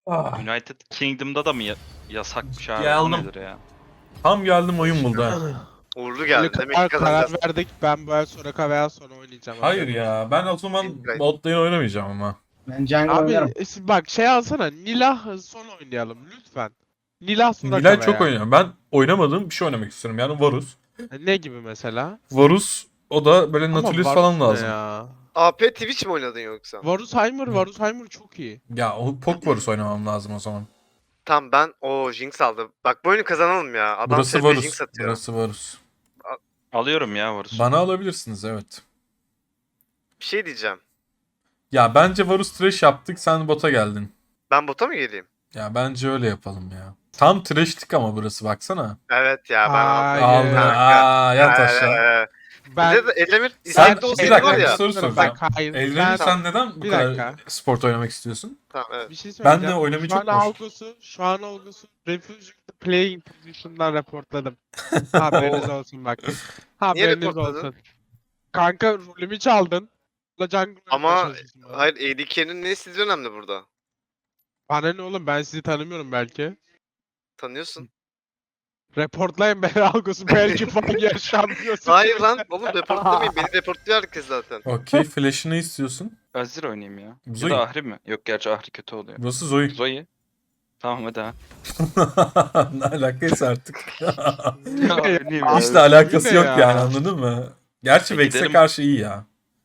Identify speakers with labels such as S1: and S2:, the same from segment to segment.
S1: Ah,
S2: United Kingdom'da da mı yasakmış abi?
S1: Geldim.
S2: Bu nedir ya?
S1: tam geldim oyun buldu ha.
S3: Uğurlu
S4: Öyle
S3: geldi. Demek ki
S4: karar
S3: kazanacağız.
S4: verdik. Ben bu el Soraka veya sonra oynayacağım.
S1: Hayır
S4: haberin
S1: ya ben o zaman
S3: Bilmiyorum.
S1: bot lane oynamayacağım ama.
S5: Ben jungle
S4: olsun.
S5: oynarım.
S4: Abi bak şey alsana. Nilah son oynayalım lütfen. Nilah Soraka
S1: Nilay çok
S4: veya.
S1: oynuyor. Ben oynamadığım bir şey oynamak istiyorum yani Varus.
S4: Ne gibi mesela?
S1: Varus o da böyle Nautilus
S4: Varus
S1: falan
S4: ne
S1: lazım.
S4: Ya.
S3: AP Twitch mi oynadın yoksa?
S4: Varusheimer çok iyi.
S1: Ya o Pok Varus oynamam lazım o zaman.
S3: Tamam ben o Jinx aldı. Bak bu oyunu kazanalım ya. Adam
S1: Burası
S3: TP
S1: Varus.
S3: Jinx atıyor.
S1: Burası Varus.
S2: Alıyorum ya Varus'u.
S1: Bana alabilirsiniz evet.
S3: Bir şey diyeceğim.
S1: Ya bence Varus trash yaptık sen bota geldin.
S3: Ben bota mı geleyim?
S1: Ya bence öyle yapalım ya. Tam trash'tik ama burası baksana.
S3: Evet ya ben
S4: Hayır.
S3: aldım.
S1: Aldı. Aa yat aşağı.
S4: Ben
S3: Bir de Edemir
S1: Sen-
S3: istekli
S1: bir
S3: olsaydı
S1: dakika,
S3: var
S1: bir
S3: ya.
S1: soru soracağım.
S4: Bak, hayır.
S1: Eldren'i
S4: Ben,
S1: sen neden bu
S4: Bir
S1: kadar
S4: dakika.
S1: sport oynamak istiyorsun?
S3: Tamam evet.
S4: bir şey
S1: Ben de
S4: söyleyeceğim.
S1: oynamayı
S4: Şu
S1: çok
S4: an
S1: boş.
S4: Algos'u Refugee Playing Position'dan reportladım. Haberiniz olsun bak. Haberiniz
S3: reportladın?
S4: olsun. Kanka rolümü çaldın. La jungle
S3: Ama
S4: oynamaya çalışıyorsun bana.
S3: hayır ADK'nin ne istediği önemli burada.
S4: Bana ne oğlum ben sizi tanımıyorum belki.
S3: Tanıyorsun.
S4: Reportlayın beni Algos'u belki Fire şampiyonsu.
S3: Hayır lan oğlum reportlamayın. Beni reportluyor herkes zaten.
S1: Okey flash'ı ne istiyorsun?
S2: Azir oynayayım ya.
S1: Zoe.
S2: Ya da Ahri mi? Yok gerçi Ahri kötü oluyor.
S1: Burası Zoe.
S2: Zoe. Tamam hadi ha.
S1: Ne alakaysa artık.
S2: Oynayayım
S4: Abi,
S1: Hiç de alakası
S4: ne
S1: yok
S4: ya?
S1: yani anladın mı? Gerçi
S2: E,
S1: Vex'e
S2: gidelim.
S1: karşı iyi ya.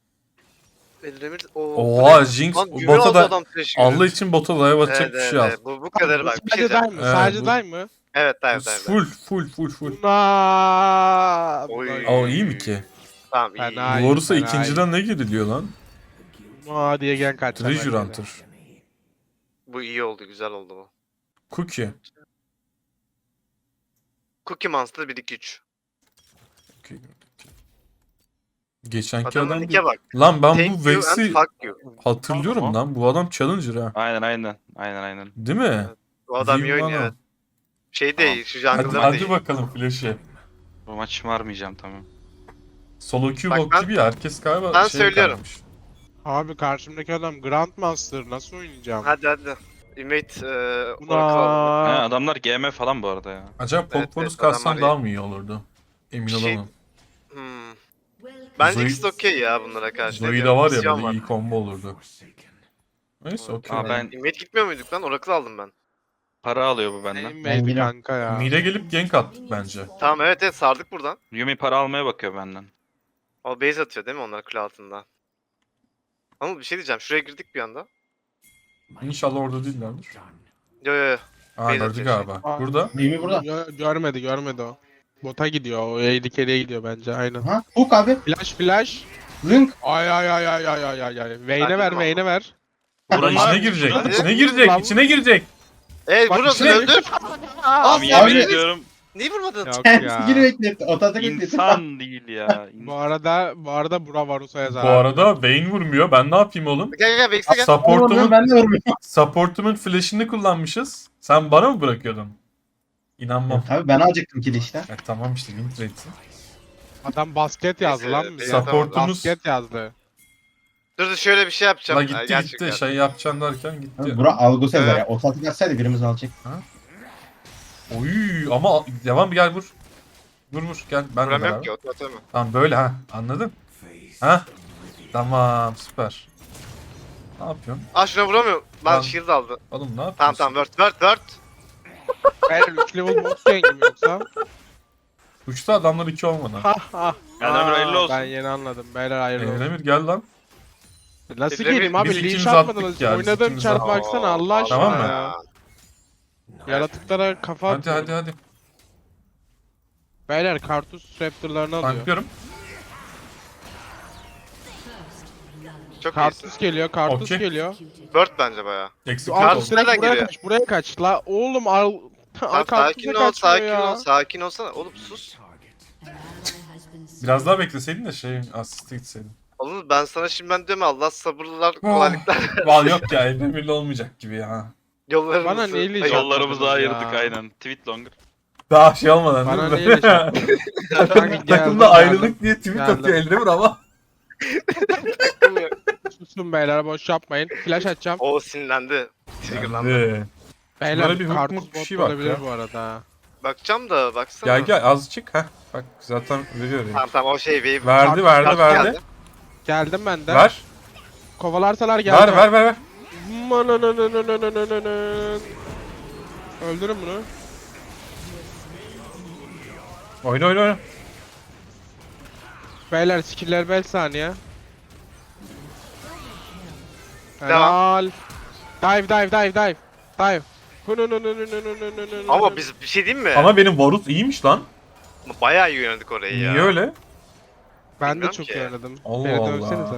S3: Edemir
S1: Oha Jinx
S3: Lan güven
S1: bota
S3: aldı
S1: da
S3: adam trash gibi.
S1: Allah için bota dive atacak
S3: Evet,
S1: bir
S3: evet,
S1: şey al.
S3: evet. Bu kadar bak bir şey
S4: Sadece day
S3: diyeceğim.
S4: mı?
S1: Evet,
S4: Sadece
S1: bu-
S4: day mı?
S3: Evet evet.
S1: Full.
S4: Buna.
S3: Oy.
S1: O iyi mi ki?
S3: Tamam iyi.
S4: Fena.
S3: iyi.
S4: Ay,
S1: Varus'a
S4: fena
S1: ikinciden ne giriliyor lan?
S4: Buna diye gen kaçacak.
S1: Treasure
S4: belki de.
S1: Hunter.
S3: Bu iyi oldu güzel oldu bu.
S1: Cookie.
S3: Cookie Monster 1-2-3.
S1: Geçenki
S3: Adamın
S1: adam
S3: nike bak.
S1: Lan ben
S3: Thank
S1: bu
S3: you and
S1: Vex'i
S3: fuck you.
S1: hatırlıyorum
S2: Tamam.
S1: lan. Bu adam Challenger ha.
S2: Aynen.
S1: Değil mi?
S3: Bu adam iyi
S1: Zivano.
S3: oynuyor evet. Şey
S2: Tamam.
S3: değil şu
S1: Hadi,
S3: jungle'lar
S1: hadi
S3: değil.
S1: bakalım flash'e.
S2: Bu maç şımarmayacağım tamam.
S1: Solo queue
S3: Bak
S1: bok
S3: ben-
S1: gibi ya. Herkes galiba
S3: ben
S1: şey
S3: söylüyorum.
S1: kalmış.
S4: Abi karşımdaki adam Grandmaster nasıl oynayacağım?
S3: Hadi. Invade Oracle alalım.
S2: Ha,
S4: Buna.
S2: adamlar GM falan bu arada ya.
S1: Acaba
S3: Evet,
S1: Pokvarus
S3: evet,
S1: katsam
S3: adamlar
S1: daha mı iyi olurdu? Emin
S3: Bir şey-
S1: olamam.
S3: Hmm. Bence
S1: Zoe-
S3: ikisi de okey ya bunlara karşı. Ne
S1: Zoe de
S3: diyorum?
S1: var ya
S3: Misyon
S1: böyle iyi combo olurdu. Neyse okey.
S2: Aa, ben
S3: Invade gitmiyor muyduk lan? Oracle aldım ben.
S2: para alıyor bu benden.
S4: Benim
S5: Ben
S4: baby
S5: yine-
S4: kanka ya.
S1: Mide gelip gank attık bence.
S3: Tamam evet sardık buradan.
S2: Yumi para almaya bakıyor benden.
S3: O base atıyor değil mi onlar kule altında? Ama bir şey diyeceğim. Şuraya girdik bir anda.
S1: İnşallah orada değillerdir.
S3: Yo.
S1: Aa
S3: Base
S1: gördü
S3: atıyor
S1: galiba.
S4: Aa.
S1: Burada.
S5: Mimi burada.
S4: Görmedi o. Bota gidiyor. O AD carry'e gidiyor bence aynen.
S5: Ha? Hook abi.
S4: Flash.
S5: Link.
S4: Ay. Vayne'e
S3: Hadi
S4: ver,
S3: tamam.
S4: Vayne'e ver.
S1: Ulan
S2: Vurun
S1: içine
S2: lan.
S1: girecek.
S3: Hadi.
S1: İçine girecek.
S4: Lan.
S1: İçine girecek.
S4: Bak,
S3: Burası
S4: işte-
S3: öldü.
S2: Abi
S3: Abi,
S2: yemin
S5: abi.
S2: ediyorum
S3: Niye vurmadın?
S4: Yok
S5: Kendisi geri
S4: ya.
S5: bekletti. Otada bekletti.
S2: insan değil ya.
S4: Bu arada Bura Varus'a yazar.
S1: Bu arada Vayne vurmuyor. Ben ne yapayım oğlum?
S3: Gel Vex'e gel.
S1: Supportumun,
S5: Ben de vurmuyorum.
S1: supportumun flash'ını kullanmışız. Sen bana mı bırakıyordun? İnanmam.
S5: Tabii ben alacaktım kili işte.
S1: Tamam işte win trade'sin.
S4: Adam basket yazdı
S3: Neyse,
S4: lan bize.
S3: tamam.
S1: Supportumuz
S4: Basket yazdı.
S3: Dur şöyle bir şey yapacağım.
S1: la gitti
S3: Gerçekten.
S1: gitti şey yapacaksın derken gitti.
S5: Abi, bura algı
S3: Evet.
S5: yazar ya. Otomatik atsaydı birimiz alacak.
S1: Oy ama devam bir gel vur. Vur gel ben de
S3: Buram
S1: beraber.
S3: yok ki otomatik mi?
S1: Tamam böyle ha anladın? Ha? Tamam süper. Ne yapıyorsun?
S3: Şuna vuramıyorum. Lan
S1: Tamam.
S3: shield aldı.
S1: Oğlum ne yapıyorsun?
S3: Tamam word.
S4: Hayır 3 level bot gang mi yoksa?
S1: Uçta adamlar 2 olmadan.
S4: Ha ha.
S2: Benden bir hayırlı olsun.
S4: Ben yeni anladım. Beyler hayırlı olsun.
S1: Emir gel lan.
S4: Nasıl
S3: Biz
S4: geleyim abi?
S1: biz
S4: Linç
S1: ikimiz
S4: atmadınız.
S1: attık ya, biz
S4: Oynadığım
S1: ikimiz
S4: çarp
S1: attık.
S4: baksana Allah aşkına
S1: Tamam mı?
S4: ya. Yaratıklara kafa
S1: Hadi
S4: atıyorum.
S1: hadi.
S4: Beyler Kartus Raptor'larını alıyor.
S1: Tanklıyorum.
S3: Çok iyisin.
S4: Kartus geliyor, Kartus
S1: Okey.
S4: geliyor.
S3: Bird bence baya.
S1: Eksik
S4: Al
S1: olsun.
S3: nereden
S4: direkt buraya
S3: geliyor?
S4: kaç, buraya kaç. La oğlum al.
S3: Tamam, sakin ol, sakin olsana. Oğlum sus.
S1: Biraz daha bekleseydin de şey asisti gitseydin.
S3: Oğlum ben sana şimdiden diyorum Allah sabırlar, kolaylıklar.
S1: Val yok ya Emir'le olmayacak gibi ya.
S3: Yollarımızı.
S4: Bana neyle
S3: Hayır,
S2: Yollarımızı
S4: Ya.
S2: ayırdık aynen. Tweet longer.
S1: Daha şey olmadan
S4: Bana
S1: değil mi?
S4: neyle şey
S1: Takımda
S4: Geldim,
S1: ayrılık diye tweet
S4: geldim.
S1: atıyor Eldemir ama.
S4: Sus Tutun beyler boş yapmayın. Flash atacağım.
S3: O sinirlendi. Triggerlandı.
S1: Hadi.
S4: Beyler
S1: Şunlara bir hook
S4: kartuz
S1: mook bir
S4: bot
S1: şey bak
S4: olabilir
S1: ya.
S4: bu arada.
S3: Bakacağım da baksana.
S1: Gel gel azıcık. Heh. Bak zaten veriyor ya.
S3: Tamam tamam o şey wave.
S1: Verdi verdi
S3: Kart
S1: verdi.
S3: geldi.
S4: Geldim ben de.
S1: Ver.
S4: Kovalarsalar geleceğim.
S1: Ver.
S4: Öldürün bunu.
S1: Oyna.
S4: Beyler skiller 5 saniye.
S3: Devam.
S4: Helal. Dive.
S3: Ama biz bir şey diyeyim mi?
S1: Ama benim Varus iyiymiş lan.
S3: Bayağı iyi yönelik orayı ya.
S1: Niye öyle?
S4: Ben de
S3: Bilmiyorum
S4: çok
S3: ki.
S4: oynadım.
S1: Allah
S4: Beni
S1: Allah.
S4: dövsenize.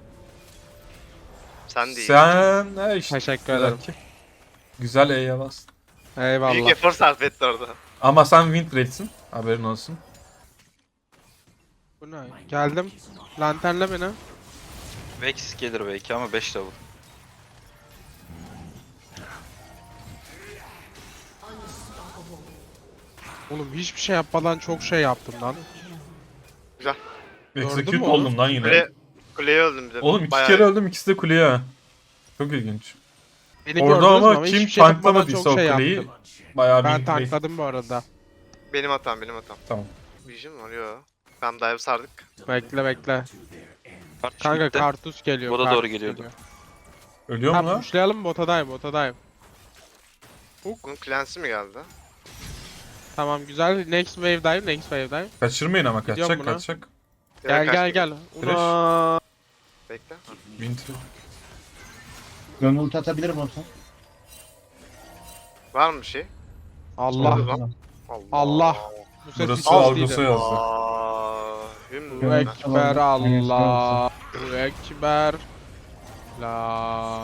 S3: Sen değil.
S1: Sen işte.
S4: Teşekkür ederim.
S1: Güzel E'ye bastın.
S3: Büyük
S4: Eyvallah.
S3: efor sarf etti orada.
S1: Ama sen win rate'sin. Haberin olsun.
S4: Bu ne? Geldim. Lanternle beni.
S2: Vex gelir belki ama 5 level.
S4: Oğlum hiçbir şey yapmadan çok şey yaptım lan.
S3: Güzel.
S4: Gördün
S1: Execute
S4: mü onu?
S1: oldum lan yine.
S3: Kuleye öldüm bir de.
S1: Oğlum iki
S3: Bayağı
S1: kere
S3: iyi.
S1: öldüm, ikisi de kuleye. Çok ilginç.
S4: Beni
S1: Orada
S4: gördünüz mü
S1: ama
S4: hiçbir
S1: kim
S4: şey yapmadan
S1: tanklamadıysa
S4: çok
S1: o
S4: şey
S1: kuleyi
S4: yaptım.
S1: bayağı
S4: Ben
S1: win rate.
S4: tankladım bu arada.
S3: Benim hatam.
S1: Tamam.
S3: Vision var yo. Tamam dive sardık.
S4: Bekle.
S2: Kart
S4: Kanka
S2: gitti.
S4: kartus geliyor.
S2: Bota
S4: kartus
S2: doğru geliyordu.
S4: geliyor.
S1: Ölüyor mu
S4: Tamam
S1: lan?
S4: pushlayalım bota dive.
S3: Bunun cleanse'i mi geldi?
S4: Tamam güzel. Next wave dive.
S1: Kaçırmayın ama
S4: Gidiyorum
S1: kaçacak.
S4: buna.
S3: Direkt kaçtı.
S4: Gel.
S1: Flash.
S4: Una.
S3: Bekle. Ha.
S1: Win trade.
S5: Gönül ulti atabilirim olsa.
S3: Var mı bir şey?
S4: Allah.
S3: Oldu. Allah.
S4: Bu ses
S1: Burası
S4: hiç
S1: Algos'a
S4: değildi.
S1: yazdı.
S3: Hüm.
S4: Bu ekber Allah. Bu ekber. La.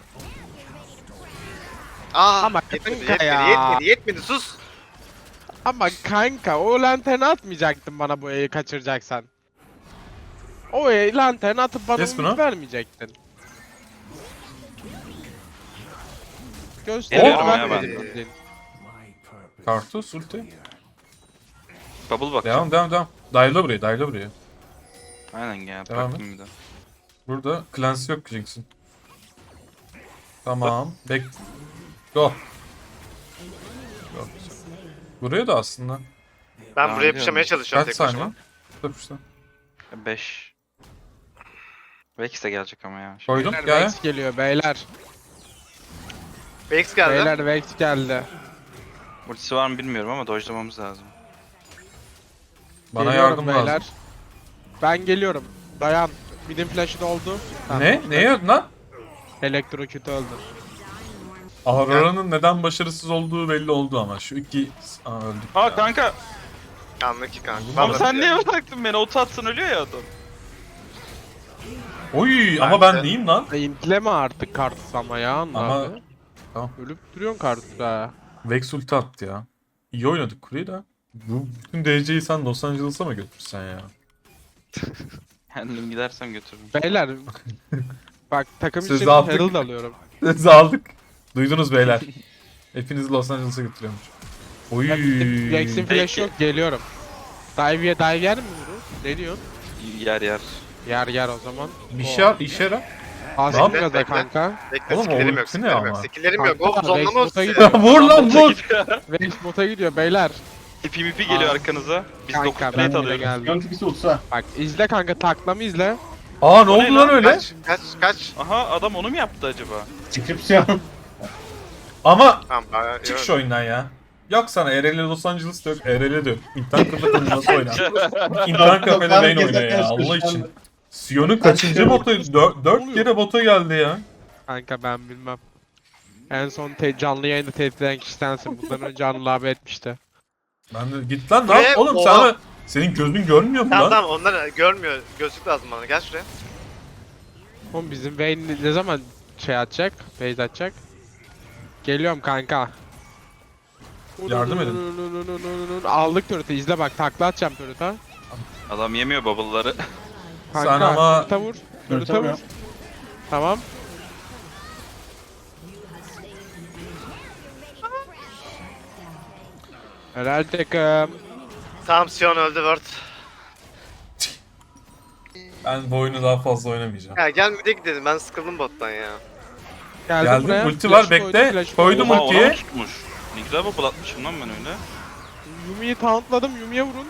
S4: Ama kanka ya.
S3: Yetmedi sus.
S4: Ama kanka o lanterni atmayacaktın bana bu E'yi kaçıracaksan. O lanterni atıp bana
S1: Kes
S4: umut
S1: bunu.
S4: vermeyecektin.
S2: Geliyorum
S1: ya
S4: Gösterdim.
S1: Kartus ulti.
S2: Bubble bak.
S1: Devam. Dive'la buraya.
S2: Aynen ya.
S1: Devam
S2: Bıraktım bir de.
S1: Burada Clancy yok Jinx'in. Tamam. Go. Buraya da aslında.
S3: Ben
S2: Aa,
S3: buraya
S2: biliyorum.
S3: yapışamaya çalışıyorum
S1: Kaç
S3: tek
S1: saniye?
S3: başıma.
S1: Dur işte.
S2: 5. Vex de gelecek ama ya.
S1: Koydum.
S4: Beyler
S1: Gel.
S4: Vex geliyor beyler.
S3: Vex geldi.
S4: Beyler Vex geldi.
S2: Ultisi var mı bilmiyorum ama dodge'lamamız lazım.
S1: Bana
S4: Geliyorum
S1: yardım
S4: beyler.
S1: lazım.
S4: Ben geliyorum. Dayan. Midin flash'ı doldu. Tamam.
S1: Ne? Neye lan?
S4: Elektroküt öldü.
S1: Aurora'nın neden başarısız olduğu belli oldu ama. Şu iki... Aa öldük
S2: Ha
S1: ya.
S2: kanka.
S3: Anlık ki kanka.
S2: Ama
S3: Vallahi
S2: sen
S3: billahi.
S2: niye bıraktın beni? Oto atsan ölüyor ya adam.
S1: Oy ama
S3: Ben de-
S1: ben neyim lan?
S4: İntleme artık kartus ama ya
S1: Ama-
S4: abi.
S1: Tamam.
S4: Ölüp duruyorsun kartus ha.
S1: Vex ulti attı ya. İyi oynadık kuleyi de. Bu bütün DC'yi sen Los Angeles'a mı götürsen ya?
S2: Kendim gidersem götürürüm.
S4: Beyler. Bak takım
S1: Siz
S4: için
S1: de attık.
S4: Herald alıyorum.
S1: Siz aldık. Duydunuz beyler. Hepinizi Los Angeles'a götürüyormuş. Oy.
S4: Jackson flash
S2: Peki.
S4: yok geliyorum. Dive yer mi bunu? Ne diyorsun?
S2: Yer.
S4: Yer o zaman.
S1: İşe yarar.
S4: Asım
S3: Bekle,
S4: gaza
S3: bekle.
S4: kanka.
S3: Bekle
S1: Oğlum,
S3: skillerim
S1: o
S3: yok.
S1: ulti ne
S3: Skillerim yok.
S1: ama?
S3: Skillerim yok.
S4: Kanka,
S3: Oğlum zonlama
S4: Vex
S3: ultisi.
S4: bota
S1: Vur lan vur.
S4: Vex bota gidiyor beyler.
S2: PvP geliyor
S4: Aa.
S2: arkanıza. Biz
S4: Kanka,
S2: 9
S4: ben
S2: plate
S4: bile
S2: alıyoruz.
S4: geldim.
S5: Gönül tipisi ultisi var.
S4: Bak izle kanka taklamı izle.
S1: Aa ne
S2: O ne
S1: oldu lan
S2: lan?
S1: öyle?
S3: Kaç.
S2: Aha adam onu mu yaptı acaba?
S5: Description.
S1: Ama
S3: Tamam bayağı
S1: çık
S3: iyi
S1: şu oyundan ya. Yok sana ERL Los Angeles'ta yok. ERL'de yok. İnternet kafede nasıl oynar? İnternet kafede main oynuyor ya Allah için. Sion'un kaçıncı botu? 4 kere bota geldi ya.
S4: Kanka ben bilmem. En son canlı yayında tehdit eden kişi sensin. Bundan önce Anıl abi etmişti.
S1: Ben de git lan
S3: Ne?
S1: oğlum
S3: Oha.
S1: sana senin gözün görmüyor mu
S3: Tamam
S1: lan?
S3: onlar görmüyor. Gözlük lazım bana. Gel şuraya.
S4: Oğlum bizim Vayne ne zaman şey atacak? Base atacak? Geliyorum kanka.
S1: Yardım edin.
S4: Aldık turret'ı izle bak takla atacağım turret'a.
S2: Adam yemiyor bubble'ları.
S4: Kanka
S1: Sen ama-
S4: turret'a vur. Turret'a
S5: Turret'a
S4: vur. Tamam. Helal takım.
S3: Tamam Sion öldü Word.
S1: Ben bu oyunu daha fazla oynamayacağım.
S3: Ya gel mid'e gidelim, ben sıkıldım bottan ya.
S1: Geldim,
S4: buraya.
S1: ulti var,
S4: Flash
S1: bekle.
S4: flash
S1: Koydum
S2: Oha,
S1: ultiyi.
S2: ona mı tutmuş? Ne güzel bubble atmışım lan ben öyle.
S4: Yumi'yi tauntladım. Yumi'ye vurun.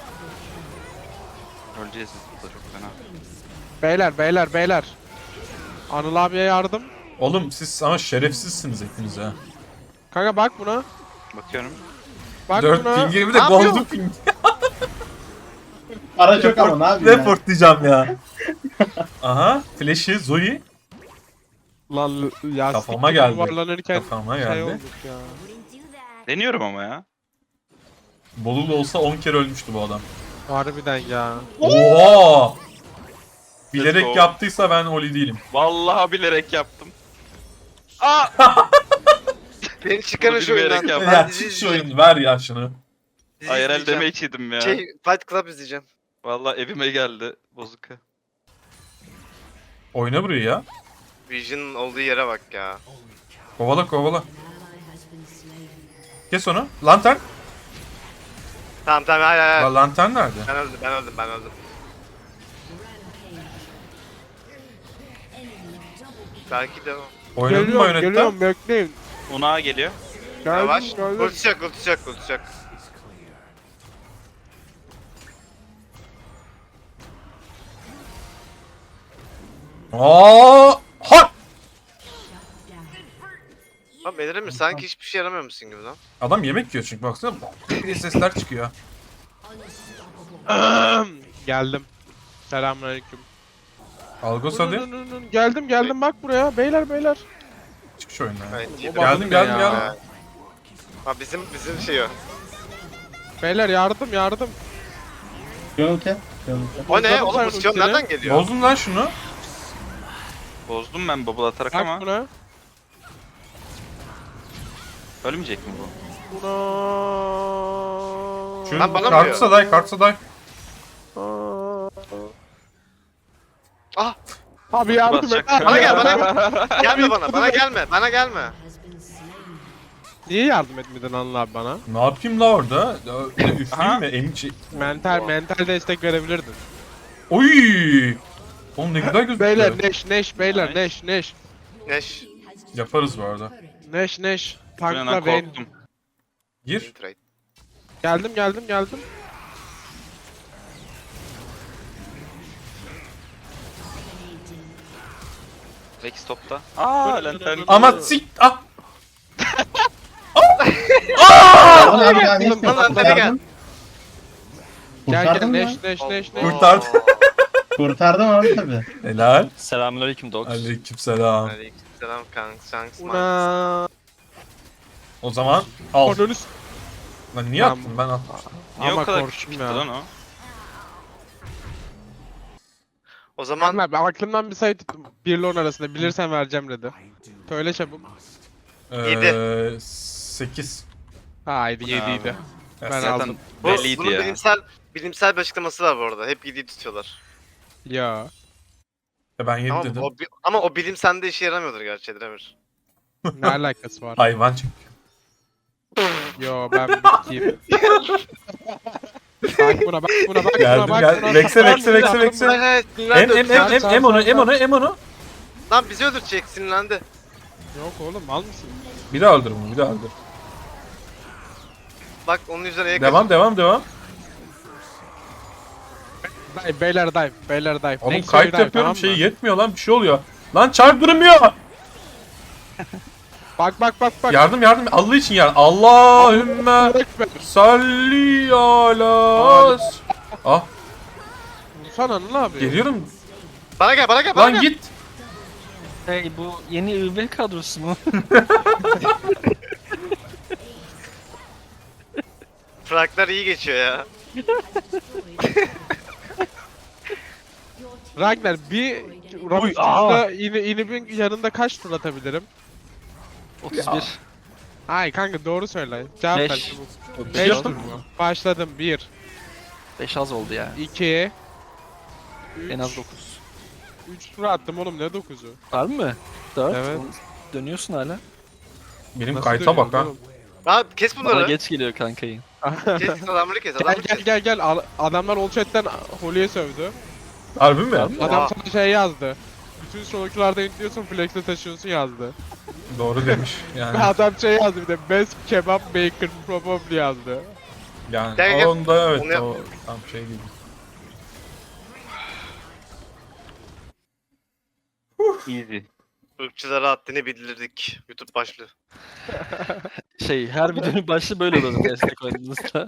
S2: Öleceğiz biz burada çok fena.
S4: Beyler. Anıl abiye yardım.
S1: Oğlum siz ama şerefsizsiniz hepiniz ha.
S4: Kanka bak buna.
S2: Bakıyorum.
S4: Bak
S1: 4
S4: buna.
S1: ping'e bir de
S3: Ne yapıyor?
S1: golden ping.
S5: Para çok ama ne yapayım ya.
S1: Report diyeceğim ya. Aha, flash'i Zoe
S4: Lan ya
S1: Kafama
S4: siktir
S1: geldi.
S4: yuvarlanırken
S1: kafama
S4: şey
S1: geldi.
S4: olduk ya.
S2: Deniyorum ama ya.
S1: Bolulu olsa 10 kere ölmüştü bu adam.
S4: Harbiden ya.
S1: Oha! Bilerek
S2: Let's go.
S1: yaptıysa ben Oli değilim.
S2: Vallahi bilerek yaptım. Aa!
S3: Beni çıkarın şu
S2: bilmeyerek
S3: oyundan.
S2: yaptım.
S3: Ben
S1: Ya
S3: dizi
S1: çık şu
S3: izleyeceğim.
S1: oyunu ver ya şunu.
S3: Dizi
S2: IRL
S3: izleyeceğim.
S2: damage yedim ya.
S3: Fight Club izleyeceğim.
S2: Vallahi evime geldi bozuk.
S1: Oyna burayı ya.
S3: Vision'ın olduğu yere bak ya.
S1: Kovala. Kes onu. Lantern.
S3: Tamam hayır.
S1: Lantern nerede?
S3: Ben öldüm. Belki de o.
S1: Oynadın mı Bayonetta?
S4: Geliyorum bekleyin.
S2: Unağa geliyor.
S3: Yavaş.
S4: Geldim.
S3: Ulti çak.
S1: Aa! Ha!
S3: Lan Bedir'im sanki hiçbir şey yaramıyormuşsun gibi lan.
S1: Adam yemek yiyor çünkü baksana. diye sesler çıkıyor.
S4: Geldim. Selamünaleyküm.
S1: Algos hadi.
S4: Geldim bak buraya. Beyler.
S1: Çık şu oyundan ya.
S3: Evet,
S1: Geldim.
S3: Ha bizim şey o.
S4: Beyler yardım.
S5: Yönülte.
S3: O ne?
S4: Uzatın
S3: Oğlum
S4: sen
S3: bu Sion
S4: ultileri.
S3: nereden geliyor?
S1: Bozdun lan şunu.
S2: Bozdum ben bubble atarak
S4: Bak
S2: ama.
S4: buna.
S2: Ölmeyecek mi bu?
S4: Buna.
S1: Şunu
S3: Lan bana mı
S1: kartsa day.
S3: Ah!
S4: Abi yardım et.
S2: Basacak.
S3: Bana gel. Gelme bana gelme.
S4: Niye yardım etmedin Anıl abi bana?
S1: Ne yapayım la orada? Üfleyeyim mi? Emçi.
S4: Mental destek verebilirdin.
S1: Oy! Oğlum ne güzel gözüküyor.
S4: Beyler Neş beyler Neş.
S3: Neş.
S1: Yaparız bu arada.
S4: Neş.
S2: Ben
S4: Tankla Vayne.
S2: korktum.
S1: Gir.
S3: Trade.
S4: Geldim.
S2: Backstop'ta. Aa lantern.
S1: Ama sik... Ah!
S5: Abi ya ne
S3: Lan lan nereye gel?
S4: Gel
S5: Kurtardın mı?
S4: Neş.
S1: Kurtardı.
S5: Kurtardım abi tabi.
S1: Helal.
S6: Selamünaleyküm Dogs.
S1: Aleykümselam.
S3: Aleykümselam kanks.
S4: Una.
S1: O zaman al.
S4: Ananı s-
S1: Lan niye
S4: Tamam.
S1: attın? Ben attım.
S2: Niye
S4: Ama
S2: o kadar
S4: korktum
S2: küçük gitti
S4: ya.
S2: lan o?
S3: O zaman
S4: Anıl abi aklımdan bir sayı tuttum. 1 ile 10 arasında bilirsen vereceğim dedi. Söyle çabuk.
S1: 8.
S4: Haydi 7'ydi. Ben
S2: Zaten
S4: aldım.
S2: belliydi
S3: bunun
S2: ya.
S3: bilimsel bir açıklaması var bu arada. Hep 7'yi tutuyorlar.
S4: Ya.
S1: Ben 7 dedim.
S3: Ama o bilim sende işe yaramıyordur gerçi Edremir.
S4: Ne alakası var?
S1: Hayvan çünkü.
S4: Yo ben bitkiyim. Bak buna bak
S1: Geldim,
S4: buna.
S1: geldim. Vex'e.
S3: Evet,
S1: Em onu.
S3: Lan bizi öldürecek, sinirlendi.
S4: Yok oğlum mal mısın?
S1: Bir daha öldür bunu, bir daha öldür.
S3: Bak onun üzerine A'ya
S1: Devam.
S4: Beyler dive.
S1: Oğlum
S4: Next
S1: kayıt
S4: dive,
S1: yapıyorum,
S4: tamam mı?
S1: şeyi yetmiyor lan, bir şey oluyor. Lan çarp durmuyor.
S4: Bak.
S1: Yardım. Allah için yardım. Allahümme
S4: Ekber.
S1: salli ala. Ah,
S4: Vursana Anıl abi.
S1: geliyorum.
S3: Bana gel.
S1: Lan git.
S6: Hey bu yeni ÜV kadrosu mu?
S3: Fraglar iyi geçiyor ya.
S4: Ragnar bir Ramus'ta inibin yanında kaç tur atabilirim?
S6: 31.
S4: Ay kanka doğru söyle. Cevap ver
S6: 5.
S4: çabuk. 5 tur mu? Başladım 1,
S6: 5 az oldu ya.
S4: 2,
S6: En az 9.
S4: 3 tur attım oğlum ne 9'u?
S6: Var mı? 4.
S4: Evet.
S6: Dönüyorsun hala.
S1: Benim
S4: Nasıl
S1: kayıta bak ha.
S4: dönüyoruz oğlum?
S3: Lan kes
S6: Bana
S3: bunları.
S6: geç geliyor kankayı.
S3: Kes adamları kes.
S4: Gel adamlar Olchat'ten Holy'e sövdü.
S1: Harbi mi?
S4: Adam sana şey yazdı. Bütün soluklarda intliyorsun, flex'e taşıyorsun yazdı.
S1: Doğru demiş.
S4: Ve
S1: Yani
S4: adam şey yazdı bir de best kebap maker probably yazdı.
S1: yani
S3: Gel, gel.
S1: onda evet
S3: Onu yap.
S1: o tam şey gibi.
S2: Easy.
S3: Irkçılara haddini bildirdik. YouTube başlığı.
S6: Şey her videonun başlığı böyle olur destek oynadığınızda.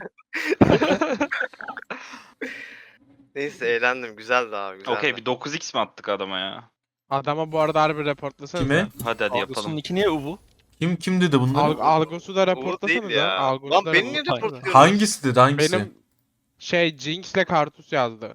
S3: Neyse eğlendim. Güzeldi abi güzeldi.
S2: Okey bir 9x mi attık adama ya?
S4: Adama bu arada harbi reportlasana.
S1: Kime?
S2: Hadi
S6: Algos'un
S2: yapalım.
S6: iki niye uvu?
S1: Kim dedi bunları?
S4: Algos'u da
S3: Bu
S4: reportlasana
S3: değil ya.
S4: Algos'u
S3: Lan
S4: da
S3: beni niye
S6: report-
S3: reportluyorsun?
S1: Hangisi dedi hangisi?
S4: Benim şey Jinx'le Kartus yazdı.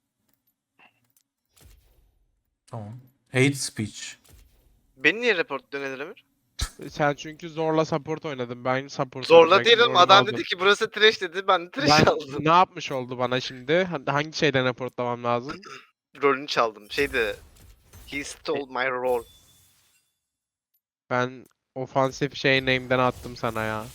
S1: Tamam. Hate speech.
S3: Beni niye reportluyorsun Edil Emir?
S4: Sen çünkü zorla support oynadın. Ben support
S3: Zorla
S4: oynayacaktım,
S3: değilim.
S4: rolünü
S3: Adam
S4: aldım.
S3: dedi ki burası trash dedi. Ben de trash
S4: Ben
S3: aldım.
S4: ne yapmış oldu bana şimdi? Hangi şeyden reportlamam lazım?
S3: Rolünü çaldım. Şeydi. He stole my role.
S4: Ben ofansif şey name'den attım sana ya.